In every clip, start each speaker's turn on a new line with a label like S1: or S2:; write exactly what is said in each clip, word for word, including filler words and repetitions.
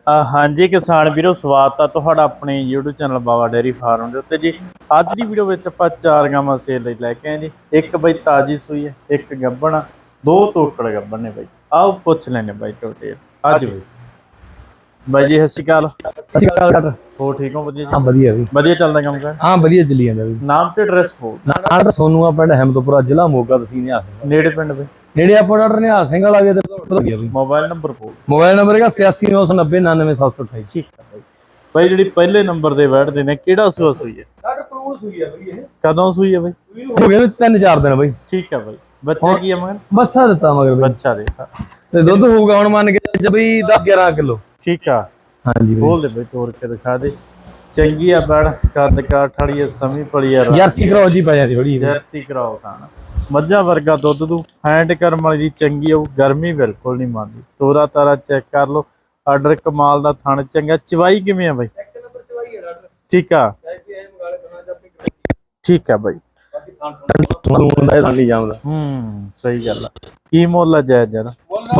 S1: ਅ, ਹਾਂਜੀ ਕਿਸਾਨ ਵੀਰੋ, ਸਵਾਗਤ ਆ ਤੁਹਾਡਾ ਆਪਣੇ YouTube channel Bawa dairy farm ਦੇ ਉੱਤੇ ਜੀ। ਅੱਜ ਦੀ ਵੀਡੀਓ ਵਿੱਚ ਆਪਾਂ ਚਾਰ ਗਾਵਾਂ ਸੇਲ ਲਈ ਲੈ ਕੇ ਆਏ ਜੀ। ਇੱਕ ਬਈ ਤਾਜੀ ਸੂਈ ਹੈ, ਇੱਕ ਗੱਭਣ ਆ, ਦੋ ਤੋਕੜ ਗੱਭਣ ਨੇ ਬਈ। ਆਓ ਪੁੱਛ ਲੈਣੇ ਬਾਈ ਤੁਹਾਡੇ ਅੱਜ ਬਈ ਬਾਈ ਜੀ। ਸਤਿ ਸ਼੍ਰੀ ਅਕਾਲ।
S2: ਸਤਿ ਸ਼੍ਰੀ ਅਕਾਲ ਡਾਕਟਰ।
S1: ਹੋ ਠੀਕ ਹੋ? ਵਧੀਆ ਜੀ।
S2: ਹਾਂ ਵਧੀਆ ਵੀ
S1: ਵਧੀਆ ਚੱਲਦਾ ਕੰਮ ਕਰ?
S2: ਹਾਂ ਵਧੀਆ ਚੱਲੀ ਜਾਂਦਾ ਵੀ।
S1: ਨਾਮ ਤੇ ਐਡਰੈਸ ਹੋ?
S2: ਡਾਕਟਰ ਸੋਨੂ ਆ, ਪਿੰਡ ਅਹਿਮਦਪੁਰਾ, ਜ਼ਿਲ੍ਹਾ ਮੋਗਾ, ਤਹਿਸੀਲ ਨਿਹਾਲ ਸਿੰਘ।
S1: ਨੇੜੇ ਪਿੰਡ ਬਈ?
S2: ਨੇੜੇ ਆਪਾਂ ਡਾਕਟਰ ਨਿਹਾਲ ਸਿੰਘ ਵਾਲਾ ਵੀ ਤੇ
S1: ਮੋਬਾਈਲ ਨੰਬਰ ਬੋਲ।
S2: ਮੋਬਾਈਲ ਨੰਬਰ ਹੈਗਾ ਛਿਆਸੀ ਨੌ ਸੌ ਨੱਬੇ ਉਨਾਨਵੇਂ ਸੱਤ ਸੌ ਅਠਾਈ।
S1: ਠੀਕ ਹੈ ਬਾਈ। ਬਾਈ ਜਿਹੜੀ ਪਹਿਲੇ ਨੰਬਰ ਦੇ ਬੈਠਦੇ ਨੇ, ਕਿਹੜਾ ਸੂਆ ਸੂਈ ਹੈ?
S2: ਡਾਕਟਰ ਪਰੂਣ ਸੂਈ ਆ ਬਈ। ਇਹ
S1: ਕਦੋਂ ਸੂਈ ਹੈ ਬਾਈ?
S2: ਹੋ ਗਏ ਤਿੰਨ ਚਾਰ ਦਿਨ ਬਈ।
S1: ਠੀਕ ਹੈ ਬਾਈ। ਬੱਚਾ ਕੀ ਹੈ ਮਗਰ?
S2: ਬੱਸਾ ਦਿੱਤਾ ਮਗਰ ਬਈ।
S1: ਬੱਚਾ ਦੇਤਾ
S2: ਤੇ ਦੁੱਧ ਹੋਊਗਾ ਹੁਣ ਮੰਨ ਕੇ ਬਈ ਦਸ ਗਿਆਰਾਂ ਕਿਲੋ।
S1: ਠੀਕ ਆ।
S2: ਹਾਂਜੀ
S1: ਬੋਲ ਦੇ ਬਈ, ਤੋੜ ਕੇ ਦਿਖਾ ਦੇ। ਚੰਗੀ ਆ ਬੜ, ਕੱਦ ਕਾਠ ਵਾਲੀ ਆ, ਸਮੀ ਪਲੀ ਆ,
S2: ਜਰਸੀ ਕਰਾਓ ਜੀ ਪੈ ਜਾਂਦੀ ਥੋੜੀ।
S1: ਜਰਸੀ ਕਰਾਓ ਸਾਨ, ਮੱਝਾਂ ਵਰਗਾ ਦੁੱਧ ਦੂ। ਹੈਂਡ ਕਰਮ ਵਾਲੀ ਦੀ ਚੰਗੀ ਆਊ, ਗਰਮੀ ਬਿਲਕੁਲ ਨਹੀਂ ਮੰਨਦੀ। ਤੋਰਾ ਤਾਰਾ ਚੈੱਕ ਕਰ ਲਓ। ਆਰਡਰ ਕਮਾਲ ਦਾ, ਥਣ ਚੰਗਾ। ਚਵਾਈ ਕਿਵੇਂ ਆ ਬਾਈ?
S2: ਇੱਕ ਨੰਬਰ ਚਵਾਈ ਹੈ ਡਾਕਟਰ।
S1: ਠੀਕ ਆ। ਠੀਕ ਆ ਬਾਈ। ਹੂੰ ਸਹੀ ਗੱਲ ਆ। ਕੀ ਮੁੱਲ ਆ ਜਾਇਜ਼ ਜਰਾ?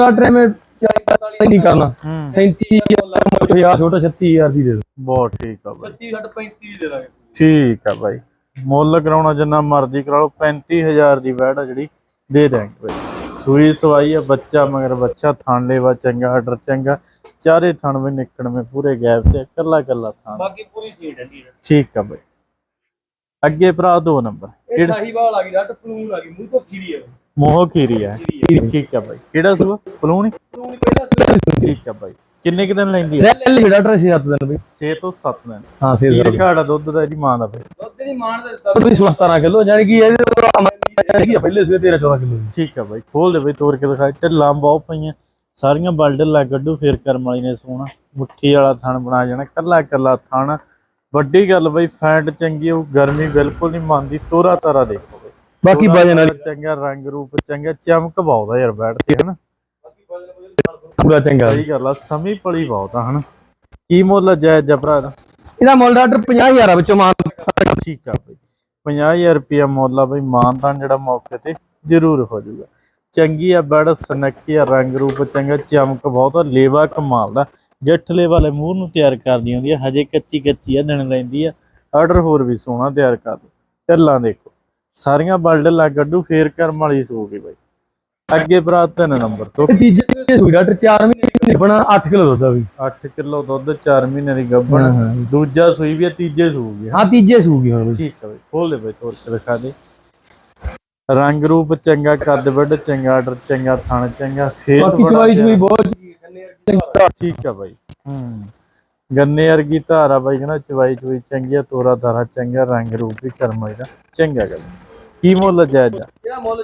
S1: ਨਹੀਂ ਕਰਨਾ ਸੈਂਤੀ ਹਜ਼ਾਰ ਛੋਟਾ ਛੱਤੀ ਹਜ਼ਾਰ ਦੀ ਦੇ ਦੋ। ਬਹੁਤ ਠੀਕ ਆ ਬਾਈ।
S2: ਛੱਤੀ ਪੈਂਤੀ ਦੇ ਦਾਂਗੇ।
S1: ਠੀਕ ਆ ਬਾਈ। ਮੁੱਲ ਕਰਾਉਣਾ ਜਿੰਨਾ ਮਰਜ਼ੀ ਕਰਾ ਲਓ, ਪੈਂਤੀ ਹਜ਼ਾਰ ਦੀ ਵੈੜ ਆ ਜਿਹੜੀ ਦੇ ਦਿਆਂਗੇ ਬਾਈ। ਸੂਈ ਸਵਾਈ ਆ, ਬੱਚਾ ਮਗਰ ਬੱਚਾ, ਥਣ ਲੇਵਾ ਚੰਗਾ, ਆਰਡਰ ਚੰਗਾ, ਚਾਰੇ ਥਣ ਵੀ ਨਿਕਲਵੇਂ ਪੂਰੇ ਗੈਪ ਤੇ, ਕੱਲਾ ਕੱਲਾ ਥਣ, ਬਾਕੀ ਪੂਰੀ ਸੀਟ ਹੈ। ਠੀਕ ਆ ਬਾਈ। ਅੱਗੇ ਭਰਾ ਦੋ ਨੰਬਰ
S2: ਇਹ ਸਾਹੀਵਾਲ ਆ ਗਈ, ਰੱਟ ਪਲੂਨ ਆ ਗਈ, ਮੂੰਹ ਤੋਂ ਖੀਰੀ ਹੈ।
S1: ਮੋਹ ਖੀਰੀ ਆ। ਠੀਕ ਆ ਬਾਈ। ਕਿਹੜਾ ਸੂਆ? ਪਲੂਣ ਹੀ। ਠੀਕ ਆ ਬਾਈ। ਕਿੰਨੇ ਕੁ ਦਿਨ ਲੈਂਦੀ ਹੈ?
S2: ਡਾਕਟਰ ਛੇ ਸੱਤ ਦਿਨ ਬਈ।
S1: ਛੇ ਤੋਂ ਸੱਤ ਦਿਨ।
S2: ਹਾਂ ਛੇ
S1: ਕੀ ਘਾੜਾ ਦੁੱਧ ਦਾ ਇਹਦੀ ਮਾਂ ਦਾ ਬਈ?
S2: ਦੁੱਧ ਦੀ ਮਾਂ ਦਾ ਦਿੱਤਾ ਬਈ ਸੋਲਾਂ ਸਤਾਰਾਂ ਕਿਲੋ, ਯਾਨੀ ਕਿ ਇਹਦੇ ਪਹਿਲੇ ਸਵੇ ਤੇਰਾਂ ਚੌਦਾਂ ਕਿਲੋ।
S1: ਠੀਕ ਆ ਬਾਈ। ਖੋਲ ਦੇ ਬਈ, ਤੋੜ ਕੇ ਦਿਖਾ। ਢਿੱਲਾਂ ਬਹੁਤ ਪਈਆਂ ਸਾਰੀਆਂ, ਬਲਡਲਾਂ ਕੱਢੂ ਫੇਰ ਕਰਮ ਵਾਲੀ ਨੇ ਸੋਹਣਾ ਮੁੱਠੀ ਵਾਲਾ ਥਣ ਬਣਾ ਜਾਣਾ, ਕੱਲਾ ਕੱਲਾ ਥਣ। ਵੱਡੀ ਗੱਲ ਬਈ, ਫੈਂਟ ਚੰਗੀ ਹੋਊ, ਗਰਮੀ ਬਿਲਕੁਲ ਨਹੀਂ ਮੰਨਦੀ। ਤੋਰਾ ਤਾਰਾ ਦੇਖੋ ਬਈ,
S2: ਬਾਕੀ ਵਜਨ ਵਾਲੀ
S1: ਚੰਗਾ, ਰੰਗ ਰੂਪ ਚੰਗਾ, ਚਮਕ ਬਹੁਤ ਆ ਯਾਰ ਬੈਠ ਤੇ ਹਨਾ,
S2: ਪੂਰਾ ਚੰਗਾ।
S1: ਸਹੀ ਗੱਲ ਆ। ਸਮੀ ਪਲੀ ਬਹੁਤ ਆ ਹਨਾ। ਕੀ ਮੁੱਲ ਜਾਇਜ਼ ਜਾ ਭਰਾ ਦਾ?
S2: ਇਹਦਾ ਮੁੱਲ ਡਾਕਟਰ ਪੰਜਾਹ ਹਜ਼ਾਰ ਵਿੱਚੋਂ ਮਾਨ।
S1: ਠੀਕ ਆ ਬਈ। ਪੰਜਾਹ ਹਜ਼ਾਰ ਰੁਪਇਆ ਮੁੱਲ ਆ ਬਈ। ਮਾਨਤਾਨ ਜਿਹੜਾ ਮੌਕੇ ਤੇ ਜ਼ਰੂਰ ਹੋ ਜਾਊਗਾ। ਚੰਗੀ ਆ ਬੜ, ਸਨੱਖੀ ਆ, ਰੰਗ ਰੂਪ ਚੰਗਾ, ਚਮਕ ਬਹੁਤ ਆ, ਲੇਵਾ ਕਮਾਲ ਦਾ। ਜੱਠਲੇ ਵਾਲੇ ਮੂੰਹ ਨੂੰ ਤਿਆਰ ਕਰਦੀ ਹੁੰਦੀ ਆ, ਹਜੇ ਕੱਚੀ ਕੱਚੀ ਆ, ਦਿਨ ਲੈਂਦੀ ਆ। ਆਰਡਰ ਹੋਰ ਵੀ ਸੋਹਣਾ ਤਿਆਰ ਕਰ ਦੋ। ਢੱਲਾਂ ਦੇਖੋ ਸਾਰੀਆਂ, ਬਲਡਲਾਂ ਕੱਢੂ ਫੇਰ ਕਰਮ ਵਾਲੀ ਸੂਗੀ ਬਾਈ। ਅੱਗੇ ਭਰਾ ਤਿੰਨ ਨੰਬਰ ਤੋਂ
S2: ਤੀਜੇ ਸੂਈ ਡਾਕਟਰ ਚਾਰ ਮਹੀਨੇ ਬਣਾ ਅੱਠ ਕਿਲੋ ਦੁੱਧ ਆ ਵੀ।
S1: ਅੱਠ ਕਿਲੋ ਦੁੱਧ, ਚਾਰ ਮਹੀਨੇ ਦੀ ਗੱਭਣ। ਦੂਜਾ ਸੂਈ ਵੀ ਆ, ਤੀਜੇ ਸੂਗੀ।
S2: ਹਾਂ ਤੀਜੇ ਸੂਗੀ ਹੁਣ।
S1: ਠੀਕ ਆ ਬਾਈ। ਖੋਲ ਦੇ ਬਾਈ, ਤੋੜ ਕੇ ਦਿਖਾ ਦੇ। ਰੰਗ ਰੂਪ ਚੰਗਾ, ਕੱਦ ਵੱਡ ਚੰਗਾ, ਆਰਡਰ ਚੰਗਾ, ਥਣ ਚੰਗਾ, ਫੇਸ ਬਹੁਤ। ਠੀਕ ਆ ਬਾਈ। ਹੂੰ ਗੰਨੇ ਵਰਗੀ ਧਾਰਾ ਬਾਈ ਕਹਿੰਦਾ, ਚਵਾਈ ਚਵਾਈ ਚੰਗੀ ਆ, ਤੋਰਾ ਤਾਰਾ ਚੰਗਾ, ਰੰਗ ਰੂਪ ਵੀ ਕਰਮ ਦਾ ਚੰਗਾ। ਗੱਲ ਕੀ ਮੁੱਲ ਜਾਇਜ਼ ਆ?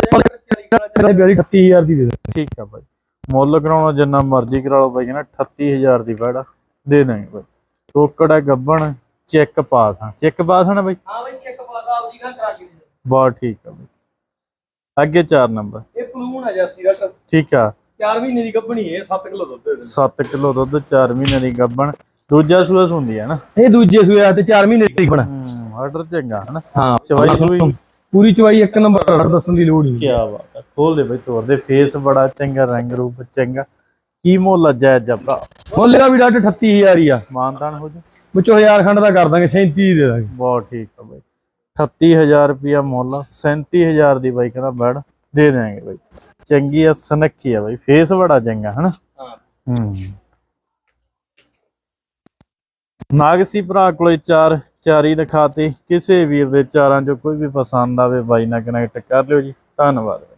S2: ਅਠੱਤੀ ਹਜ਼ਾਰ ਦੀ ਦੇ ਦੋ।
S1: ਠੀਕ ਆ ਬਾਈ। ਮੁੱਲ ਕਰਾਉਣਾ ਜਿੰਨਾ ਮਰਜ਼ੀ ਕਰਾ ਲਓ ਬਾਈ, ਕਹਿੰਦਾ ਅਠੱਤੀ ਹਜ਼ਾਰ ਦੀ ਵੈੜ ਦੇ ਦਾਂਗੇ ਬਾਈ। ਟੋਕੜਾ ਗੱਭਣ, ਚੈੱਕ ਪਾਸ ਆ। ਚੈੱਕ ਪਾਸ ਆ ਨਾ ਬਾਈ?
S2: ਹਾਂ ਬਾਈ ਚੈੱਕ ਪਾਸ ਆ ਉਹਦੀ ਗੱਲ ਕਰਾ ਕੇ।
S1: ਬਹੁਤ ਠੀਕ ਆ ਬਾਈ। ਅੱਗੇ ਚਾਰ ਨੰਬਰ।
S2: ਇਹ ਪਲੂਨ ਆ ਜਰਸੀ ਡਾਕਟਰ। ਠੀਕ
S1: ਆ।
S2: ਚਾਰ ਮਹੀਨੇ ਦੀ ਗੱਭਣੀ ਹੈ, ਸੱਤ ਕਿਲੋ ਦੁੱਧ।
S1: ਸੱਤ ਕਿਲੋ ਦੁੱਧ, ਚਾਰ ਮਹੀਨੇ ਦੀ ਗੱਭਣ। ਦੂਜਾ ਸੂਆ ਹੁੰਦੀ ਹੈ ਨਾ?
S2: ਇਹ ਦੂਜੇ ਸੂਆ ਤੇ ਚਾਰ ਮਹੀਨੇ ਦੀ ਬਣਾ।
S1: ਹੂੰ ਆਰਡਰ ਚੰਗਾ ਹਨਾ।
S2: ਹਾਂ
S1: ਚਵਾਈ ਚੂਈ
S2: ਪੂਰੀ ਚਵਾਈ ਇੱਕ ਨੰਬਰ, ਦੱਸਣ ਦੀ ਲੋੜ ਨਹੀਂ।
S1: ਕੀ ਬਾਤ ਹੈ। ਖੋਲ ਦੇ ਬਈ, ਤੋਰ ਦੇ। ਫੇਸ ਬੜਾ ਚੰਗਾ, ਰੰਗ ਰੂਪ ਚੰਗਾ। ਕੀ ਮੁੱਲ ਜਾਇਜ਼ ਜਾ ਭਰਾ?
S2: ਮੁੱਲ ਦਾ ਵੀ ਡਾਕਟਰ ਅਠੱਤੀ ਹਜ਼ਾਰ ਹੀ ਆ।
S1: ਮਾਨਤਾਨ ਹੋ ਜਾ
S2: ਵਿੱਚੋਂ ਹਜ਼ਾਰ ਖੰਡ ਦਾ ਕਰ ਦਾਂਗੇ, ਸੈਂਤੀ ਦੇ ਦਾਂਗੇ।
S1: ਬਹੁਤ ਠੀਕ ਆ ਬਾਈ। ਅਠੱਤੀ ਹਜ਼ਾਰ ਰੁਪਇਆ ਮੁੱਲ, ਸੈਂਤੀ ਹਜ਼ਾਰ ਦੀ ਬਾਈ ਕਹਿੰਦਾ ਬੈੜ ਦੇ ਦਿਆਂਗੇ ਬਾਈ। ਚੰਗੀ ਆ, ਸਨੱਖੀ ਆ ਬਾਈ, ਫੇਸ ਬੜਾ ਚੰਗਾ ਹਨਾ। ਹੂੰ ਨਾਗਸੀ ਭਰਾ ਕੋਲੇ ਚਾਰ ਚਾਰੀ ਦਿਖਾਤੇ। ਕਿਸੇ ਵੀਰ ਦੇ ਚਾਰਾਂ ਚੋਂ ਕੋਈ ਵੀ ਪਸੰਦ ਆਵੇ ਬਾਈ ਨਾਲ ਕਨੈਕਟ ਕਰ ਲਿਓ ਜੀ। ਧੰਨਵਾਦ।